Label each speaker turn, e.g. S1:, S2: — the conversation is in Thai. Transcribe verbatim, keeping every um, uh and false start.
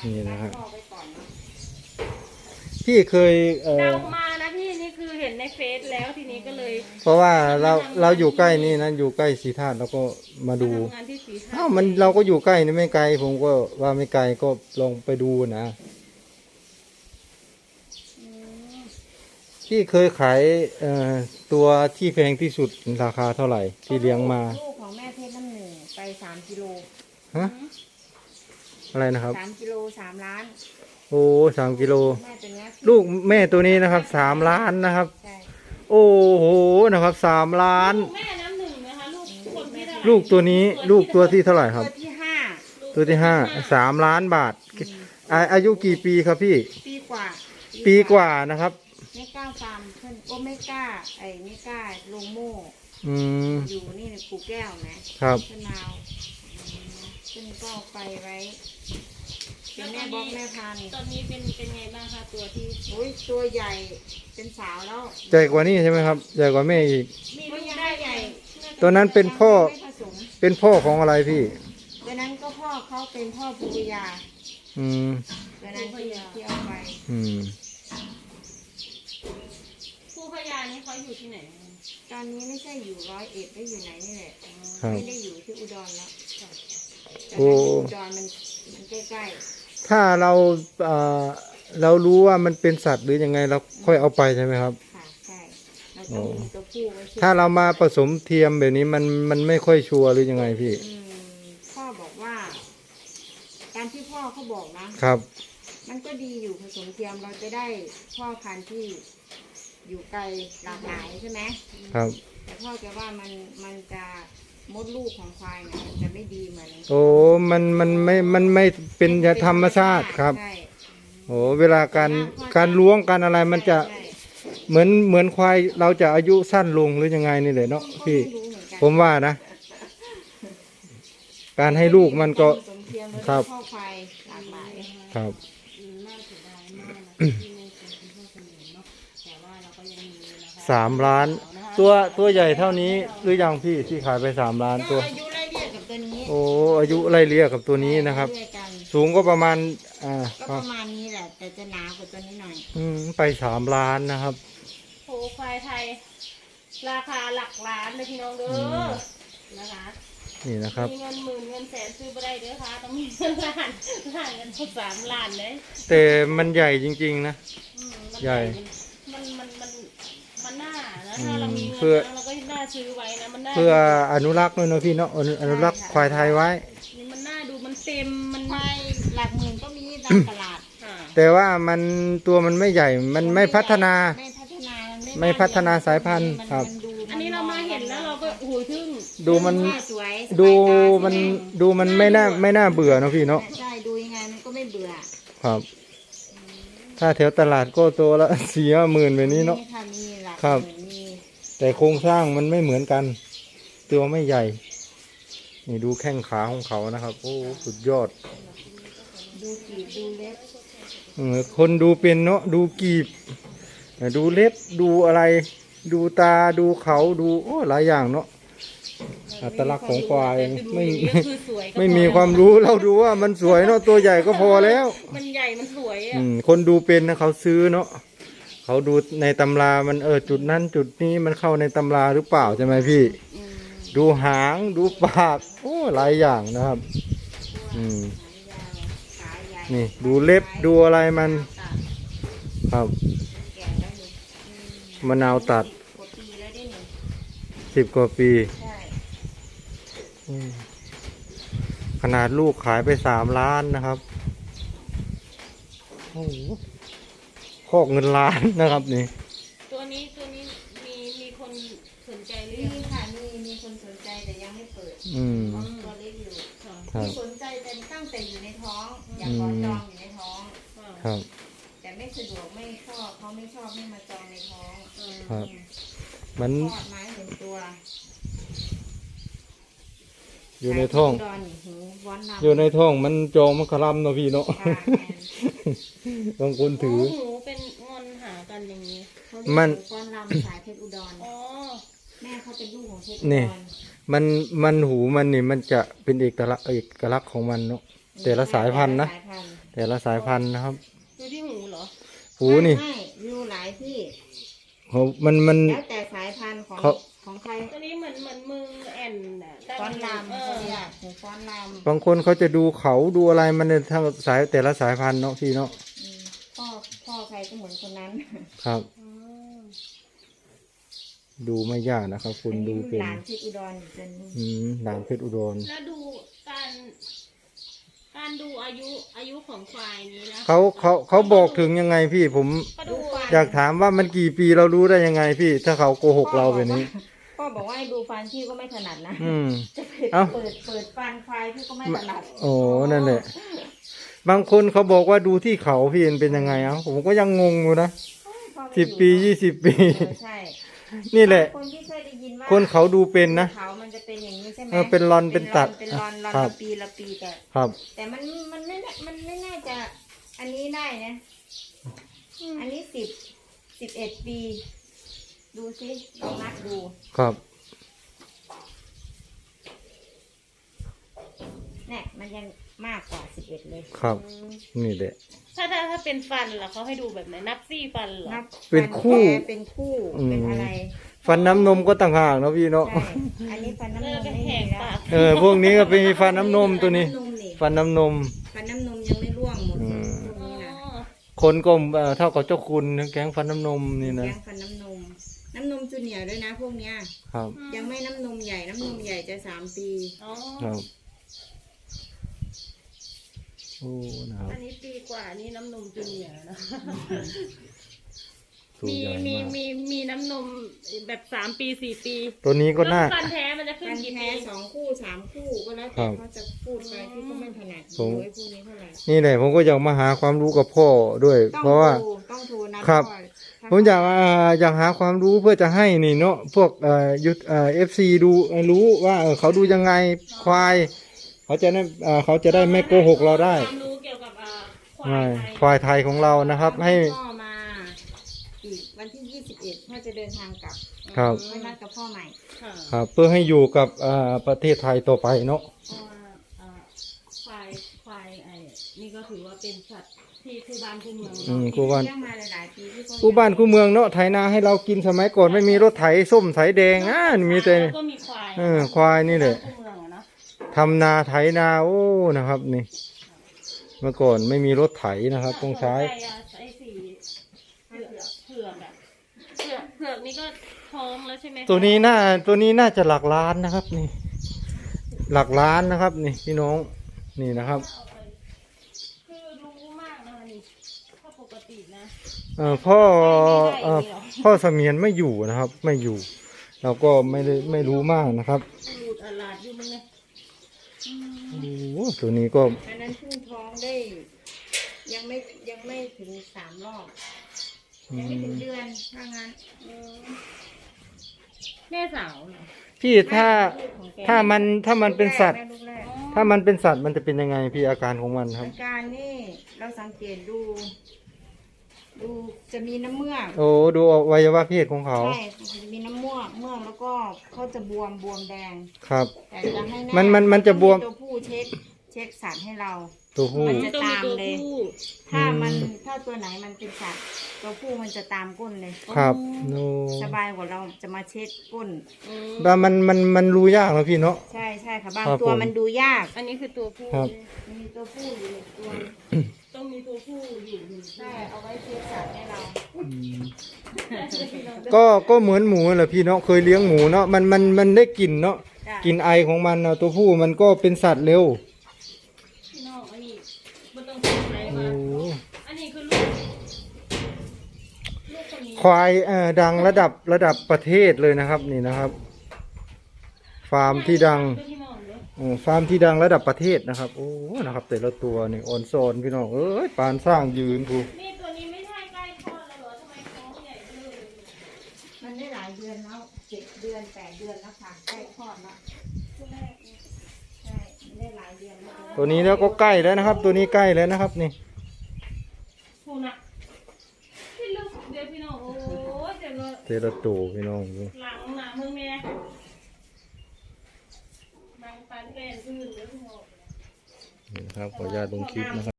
S1: นี่นะครับ
S2: พ่อไปก่อนเนาะ
S1: พี่เคยเอ่อ
S2: เดามานะพี่นี่คือเห็นในเฟซแล้วทีนี้ก็เลย
S1: เพราะว่าเราเราอยู่ใกล้นี่นะอยู่ใกล้ศรีธาตุเราก็มาดู
S2: ทำงานที่ศรีธาตุ
S1: อ้าวมันเราก็อยู่ใกล้นี่ไม่ไกลผมก็ว่าไม่ไกลก็ลองไปดูนะ
S2: อืม
S1: พี่เคยขายเอ่อตัวที่แพงที่สุดราคาเท่าไหร่ที่เลี้ยงมา
S3: ลูกของแม่เพชรน้ำหนึ่งไปสามกิโล
S1: ฮะอะไรนะครับ
S3: สามกิโลสามล้าน
S1: โอ้สามกิโล
S3: แม่ตัวเนี้ย
S1: ลูกแม่ตัวนี้นะครับสามล้านนะครับ
S3: ใช่
S1: โอ้โหนะครับสามล้าน
S2: ลูกแม่น้ำหนึ่งนะคะลูกคนที่เท่าไหร่
S1: ลูกตัวนี้ลูกตัวที่เท่าไหร่ค
S3: ตั
S1: รับ
S3: วที่ห้า
S1: ตัวที่ห้าสามล้านบาทอาอายุกี่ปีครับพี่
S3: ปีกว่า
S1: ปีกว่านะครับ
S3: ไม่กล้าฟาร์มเพื่อนก็ไม่กล้าไอ้ไม่กล้าลงโม่
S1: อืม
S3: อยู่นี่ในกูแก้วไหม
S1: ครับ
S3: เพื่อนนาวเพื่อนก็เอาไปไว้เป็นแม่บล็อกแม่พันธุ์
S2: ตอนนี้เป็นเป็นไงบ้างคะตัวที่
S3: โอ้ยตัวใหญ่เป็นสาวแล้ว
S1: ใหญ่กว่านี้ใช่ไหมครับใหญ่กว่าแม่อีก
S2: มีลูกได้ใหญ่
S1: ตัวนั้นเป็นพ่อ
S3: ไม่ผสม
S1: เป็นพ่อของอะไรพี่
S3: ตัวนั้นก็พ่อเขาเป็นพ่อปุริยา
S1: อืม
S3: ตัวนั้นที่ที่เอาไป
S1: อืม
S2: ผู้พยานี่เขาอยู่ที่ไหน
S3: ตอนนี้ไม่ใช่อยู่ร้อยเอ็ดได้อยู่ไหนนี่แหละ
S1: ครับ
S3: ไม่ได้อยู่ที่อุดรแล้วแต่
S1: โอ้
S3: ถ้าอยู่อุดรมันมันใกล้
S1: ถ้าเราเอ่อเรารู้ว่ามันเป็นสัตว์หรือยังไงเราค่อยเอาไปใช่ไหมครับ
S3: ๆค่ะใช่เราต้องมีตัวผู้ไว้ช่วย
S1: ถ้าเรามาผสมเทียมแบบนี้มันมันไม่ค่อยชัวร์หรือยังไงพี่
S3: อืมพ่อบอกว่า การที่พ่อเขาบอกนะ
S1: ครับ
S3: มันก็ดีอยู่ผสมเทียมเราจะได้พ่อพันธุ์ที่อยู่ไกลหลากหลายใช่ไหม
S1: ครับ
S3: แต่พ่อแกว่ามันมันจะมดลูกของควายเนี่ยมันจะไม่ดีเหมือน
S1: โอ้มันมันไม่มันไม่เป็นธรรมชาติครับ
S3: ใช่
S1: โอ้เวลาการการล้วงการอะไรมันจะ
S3: ใช่
S1: เหมือนเหมือนควายเราจะอายุสั้นลงหรือยังไงนี่แหละเนาะ
S3: ก็
S1: พี่
S3: ไม่รู้เหมือนกัน
S1: ผมว่านะ การให้ลูกมันก็
S3: ผสมเทียมแล้ว
S1: ครับ
S3: พ่อควายหลากหลาย
S1: ครับ
S2: อืมน่าเสียดายมากนะที่ไม่เคยเป็นพ่อเสนอเนาะแต่ว่าเราก็ยังมีนะคะ
S1: สามล้าน ตัวตัวใหญ่เท่านี้หรือยังพี่ที่ขายไปสามล้าน
S3: ก็
S1: ตัว
S3: อายุไล่เรียกกับตัวนี้
S1: โอ้อายุไล่เลี่ยกับตัวนี้นะครับ
S3: ด้วยกัน
S1: สูงก็ประมาณอ่า
S3: ก็ประมาณนี้แหละ แต่จะหนากว่าตัวนี้หน่อย
S1: อืมไปสามล้านนะครับ
S2: โหควายไทย ราคาหลักล้านเลยพี่น้องเด้ออนะคะ
S1: นี่นะครับ
S2: มีเงินหมื่นเงินแสนซื้อไม่ได้เด้อค่ะต้องมีเงินล้านล้านเงินสสามล้านเลย
S1: แต่มันใหญ่จริงๆนะ
S2: อืมมัน
S1: ใหญ่
S2: มันมันมันมันน่านะ
S1: อืม
S2: ถ้าเรามีเงิน
S1: เพื่อ
S2: นะเราก็น่าซื้อไว้นะมันน่า
S1: เพื่ออนุรักษ์ด้วยเนาะพี่เนาะอนุอนุรักษ์ควายไทยไว้
S2: นี่มันน่าดูมันเต็มมัน
S3: ควายหลักหมื่นก็มีตามตลาด
S2: ค่ะ
S1: แต่ว่ามันตัวมันไม่ใหญ่ มันไม่พัฒนา
S3: ไม่พัฒนา
S1: ไม่พัฒนาสายพันธุ์ครับ
S3: มันดู
S2: อันนี้เรามาเห็นแล้วเราก็โอ้โหทึ่ง
S1: ดูมัน
S3: สวย
S1: ดู
S3: สายตา
S1: มัน
S3: สวย
S1: ดูมันไม่น่าไม่น่าเบื่อเนาะพี่เนาะ
S3: ใช่ดูยังไงมันก็ไม่เบื่อ
S1: ครับ ถ้าแถวตลาดก็ตัวละ สี่ห้าหมื่นแบบนี้เนาะ
S3: ค่ะมีหลัก
S1: ครับ
S3: หมื่นมี
S1: แต่โครงสร้างมันไม่เหมือนกัน ตัวไม่ใหญ่ นี่ดูแข้งขาของเขานะครับ โอ้สุดยอด
S3: ดูกีบดูเล็บ
S1: เออคนดูเป็นเนาะดูกีบดูเล็บดูอะไร ดูตาดูเขาดูโอ้หลายอย่างเนาะอัตลักษณ์ของควายไม่
S2: ก็คือสวยก็
S1: ไม่มี
S2: พอ
S1: ความรู้เราดูว่ามันสวยเนาะตัวใหญ่ก็พอแล้ว
S2: มันใหญ่มันสวย
S1: อื
S2: อ่ะ
S1: มคนดูเป็นนะเขาซื้อเนาะเขาดูในตำรามันเออจุดนั้นจุดนี้มันเข้าในตำราหรือเปล่าใช่ไหมพี่
S2: อืม
S1: ดูหางดูปากโอ้หลายอย่างนะครับ อืม
S3: ขาใหญ่
S1: นี่ดูเล็บดูอะไรมัน
S3: ตัด
S1: ครับ
S3: แก่แล้วนี่อืม
S1: มะนาวตัด
S3: กว่าปีแล้วได้หนึ่ง
S1: สิบกว่าปี
S3: ใช่
S1: อืมขนาดลูกขายไปสามล้านนะครับโอ้โหคอกเงินล้านนะครับนี่
S2: ตัวนี้ตัวนี้มีมีคนสนใจหรือ
S3: มี
S2: ยัง
S3: ค่ะมีมีคนสนใจแต่ยังไม่เปิด
S1: อืม
S3: เพราะตัวเล็กอยู่
S2: ค่ะ
S1: ครับ
S3: มีสนใจแต่ตั้งแต่อยู่ในท้อง อยากขอจองอยู่ในท้อง
S1: ครับ
S3: แต่ไม่สะดวกไม่ชอบเขาไม่ชอบให้มาจองในท้อง
S1: ครับ มัน
S3: ทอดไม้หนึ่งตัว
S1: อยู่ในท้อง
S3: ดอนนี่หูว้อนดำ
S1: อยู่ในท้องมันจองมันคลำเนาะพี่เนาะ
S3: ค่ะแอน
S1: บางคนถือ
S2: โหูเป็นงอนหากันอย่างนี้
S3: เขาเรียก
S1: มัน
S3: หก้อนลำสายเพชรอุดร
S2: อ๋อ
S3: แม่เขาเป็นลูกของเพชรอุ
S1: นี่
S3: ดร
S1: มันมันหูมันนี่มันจะเป็นเอกลักษณ์เอกลักษณ์ของมันเนาะแต่ละสายพันธุ์นะ
S3: สายพันธุ์
S1: แต่ละสายพันธุ์นะครับ
S2: ดูที่หูเหรอ
S1: หูนี่
S3: ไม่อยู่หลายที่
S1: เขามันมัน
S3: แล้วแต่สายพันธุ์ของ
S1: เขา
S3: ของใคร
S2: ตัวนี้เหมือนเหมือนมือแอนน่ะ
S3: ฟ้อนลำ
S2: เอ
S3: เขา
S2: อ
S3: เรียกหูฟ้อนล
S1: บางคนเขาจะดูเขาดูอะไรมันเนี่ยทั้งสายแต่ละสายพันธุ์เนาะพี่เนาะ
S3: ำอืมพ่อพ่อใครก็เหมือนคนนั้น
S1: ครับ
S2: อืม
S1: ดูไม่ยากนะครับ คุณดูเป็น
S3: หลานที่อุดรอีกคนนึง
S1: อืมด่านเพชรอุดร
S2: แล้วดูการ การดูอายุอายุของควายนี้นะ
S1: เขาเขาเขาบอกถึงยังไงพี่ผม
S2: ก็ดู
S1: อยากถามว่ามันกี่ปีเรารู้ได้ยังไงพี่ ถ้าเขาโกหกเราแบบนี้
S3: พ่อบอกว่าให้ดูฟันพี่ก็ไม่ถนัดนะ
S1: อืม
S3: จะเปิด
S1: เอ้า
S3: เปิดเปิดฟันควายพี่ก็ไม่ถนัด
S1: โอ้นั่นแหละ บางคนเขาบอกว่าดูที่เขาพี่มันเป็นยังไงเอ้าผมก็ยังงงอยู่นะ
S3: พ่อไม่
S1: สิบ
S3: อยู่
S1: ปียี่สิบปี
S3: เออใช่
S1: นี่แหละ
S3: คนที่เคยได้ยินว่า
S1: คนเขาดูเป็นนะ
S3: เขามันจะเป็นอย่างนี้ใช่ไหม
S1: เออเป็นรอนเป็นตัด
S3: เป็นรอนรอน
S1: ครั
S3: ละ
S1: บ
S3: ปีละปีแต่
S1: ครับ
S3: แต่มันมันไม่น่ามันไม่น่าจะอันนี้ได้นะ อันนี้สิบสิบเอ็ดปี ดูสิลองนับดู
S1: ครับ
S3: เนี่ยมันยังมากกว่าสิบเอ็ดเลย
S1: ครับ นี่แหละ
S2: ถ้าถ้าถ้าเป็นฟันเหรอเขาให้ดูแบบไหนนับซี่ฟันเหรอ
S3: นับ
S1: เป็นคู่
S3: ฟันแท้เป็นคู่
S1: อืม
S3: เป็นอะไร
S1: ฟันน้ำนมก็ต่างหากเนาะพี่เนาะ
S3: ใช่อันนี้ฟันน้ำ
S2: เอน อ
S3: ม
S2: เป็น
S3: ไม่
S2: แห
S3: มี
S2: ก
S3: แล้ว
S2: ปาก
S1: เออพวกนี้ก็เป็นฟันน้ำนมตัวนี้
S3: ฟันน้ำนมนี่
S1: ฟันน้ำนม
S3: ฟันน้ำนมยังไม่ร่วงหมด
S1: อืม
S3: พวก
S2: อ๋อ
S3: นี้นะ
S1: คนก็เอ่อเท่ากับเจ้าคุณแก๊งฟันน้ำนมนี่นะ
S3: แกงฟันน้ำนม น้ำนมจูเนียร์ด้วยนะพวกเนี้ย
S1: ครับ
S3: ยังไม่น้ำนมใหญ่ น้ำนมใหญ่จะสามปี
S2: อ๋อ
S1: ครับโอ้นะครับ
S2: อันนี้ปีกว่านี่น้ำนมจูเนียร์นะ
S1: ตัว
S2: มี
S1: ใหญ่
S2: มี
S1: มาก
S2: มีมีน้ำนมแบบสามปีสี่ปี
S1: ตัวนี้ก็น่า
S2: แล้วฟันแท้มันจะขึ้น
S3: ฟัน
S2: กี่
S3: แท้
S2: ปี
S3: สองคู่สามคู่ก็แล้ว
S1: ครั
S3: แต่
S1: บ
S3: เขาจะพูดไปที่ก็ไม่ถนัด
S1: ผม
S3: โดยพวกนี้เท่าไหร่
S1: นี่แหละผมก็อยากมาหาความรู้กับพ่อด้วย
S3: ต้อง
S1: เพราะว่า
S3: โทรต้องโทรนะครับ พ่อถ้
S1: ผมอยากอ่าอยากหาความรู้เพื่อจะให้นี่เนาะพวกเอ่อยุทเอ่อฟซีดูเอ่อรู้ว่าเออเขาดูยังไงควาย เขาจะได้เอ่อเขาจะได้ไม่โกหกเราได้
S2: ความรู้เกี่ยวกับอ่าควา
S1: ใช่
S2: ยไทย
S1: ควายไทยของเรานะครับ ให้
S3: พ่อมาอีกวันที่ยี่สิบเอ็ดพ่อจะเดินทางกลับ
S1: ครับ
S3: ไว้นัดกับพ่อใหม่
S2: ค่ะ
S1: ครับเพื่อให้อยู่กับเอ่อประเทศไทยต่อไปเนาะ
S2: เพราะว่าอ่าควายควายไอ้นี่ก็ถือว่าเป็นสัตว์ที่คู่บ้านคู่เมือง
S1: อื
S2: เนาะ
S1: มกูบ้าน
S3: เลี้ยงมาหลายๆปีที่พ่อ
S1: กูบ้านกูเมืองเนาะไถนาให้เรากินสมัยก่อนไม่มีรถไถส้มไถแดงอ่ะมีแต่
S2: แล้วก็มีควาย
S1: เออควายนี่แหละ
S2: คู่เมืองอะเนาะ
S1: ทำนาไถนาโอ้นะครับนี่ เมื่อก่อนไม่มีรถไถนะครับต้องใช้
S2: ไก่อะไอ้สีเผือกเผือกอะเผือกเผือกนี่ก็ท้องแล้วใช่ไหมคะ
S1: ตัวนี้น่าตัวนี้น่าจะหลักล้านนะครับนี่ หลักล้านนะครับ นี่พี่น้องนี่นะครับ
S2: เอาไปคือรู้มากนะคะนี่ถ้าปกตินะ
S1: เอ่อพ่อ
S2: ไม่ได้
S1: เอ่อ
S2: ไม่ได้
S1: พ่อเสมียนไม่อยู่นะครับ ไม่อยู่ เราก็ไม่ได้ไม่รู้มากนะครับ
S2: หลุดอาลาดอยู่มึงเนี่ยอืม
S1: โอ้โหตัวนี้ก็
S3: อันนั้นเพิ่งท้องได้ ยังไม่ยังไม่ถึงสามรอบ
S1: อื
S3: ยังไม่ถึง
S1: ม
S3: เดือนถ้างั้น
S2: อืมแม่สาวเหรอ
S1: พี่ถ้า
S3: ลูกของแก
S1: ถ้ามันถ้ามันเป็นสัตว์
S3: แม่ลูกแรก
S1: ถ้ามันเป็นสัตว์มันจะเป็นยังไงพี่อาการของมันครับ
S3: อาการนี่เราสังเกตดู ดูจะมีน้ำเมือก
S1: โอ้ดูอวัยวะเพศของเขา
S3: ใช่จะมีน้ำเมือกเมือกแล้วก็เขาจะบวมบวมแดง
S1: ครับ
S3: แต่จะให้แ
S1: มันมันมันจะบวม
S3: ตัวผู้เช็คเช็คสัตว์ให้เรา
S1: ตัวผู้
S3: มันจะ
S2: ต้องมีตัว
S3: ตามเลย
S2: ผู้
S3: ถ้ามัน
S1: อืม
S3: ถ้าตัวไหนมันเป็นสัตว์ตัวผู้มันจะตามก้นเลย
S1: ครับโน
S3: สบายกว่าเราจะมาเช็ดก้น
S2: อืม
S1: แต่มันมันมันรู้ยากนะพี่เนาะ
S3: ใช่ใช่ค่ะบาง
S1: ครับ
S3: ตัว
S1: ผม
S3: มันดูยาก
S2: อันนี้คือตัวผู้
S1: ครับ
S3: มันมีตัวผู้อยู่หนึ่งตัว
S2: ต้องมีตัวผู้อยู่หนึ่ง
S3: ใช่เอาไว้เช็ดสัตว์ให้เรา
S1: ก็ก็เหมือนหมูแหละพี่เนาะเคยเลี้ยงหมูเนาะมันมันมันได้กลิ่นเนาะ
S3: จ้ะ
S1: กลิ่นไอของมันเนาะตัวผู้มันก็เป็นสัตว์เร็ว
S2: พี่น้องอันนี้มันต้องเป็นอะไร
S1: โอ้
S2: มาอันนี้คือลูกลูกคนนี้
S1: ควายเอ่อดังระดับระดับประเทศเลยนะครับนี่นะครับ ฟาร์มที่ดัง
S2: พี่น้องเนอะ
S1: เออฟาร์มที่ดังระดับประเทศนะครับ โอ้นะครับ แต่ละตัวนี่ออนโซนพี่น้องเอ้ยปานสร้างยืนกู
S2: นี่ตัวนี้ไม่ใช่ใกล้คลอดแล้วเหรอทำไมท้องใหญ่เลย
S3: มันได้หลายเดือนแล้วเจ็ดเดือนแปดเดือนแล้วค่ะใกล้คลอดแล้ว
S2: ตัวแรกเนี่ย
S3: ใช่มันได้หลายเดือนแล้ว
S1: ตัวนี้แล้วก็ใกล้แล้วนะครับ ตัวนี้ใกล้แล้วนะครับนี่
S2: ผู้นะพี่ลูกเดี๋ยวพี่น้องโอ้ยเดี๋ยวเรา
S1: แต่ละตัวพี่น้องดู
S2: หลังหนามึงแม่บางปันเป็นอื่นเดี๋ยวพี่น้อง
S1: นี่นะครับขออนุญาตลงคลิปนะครับ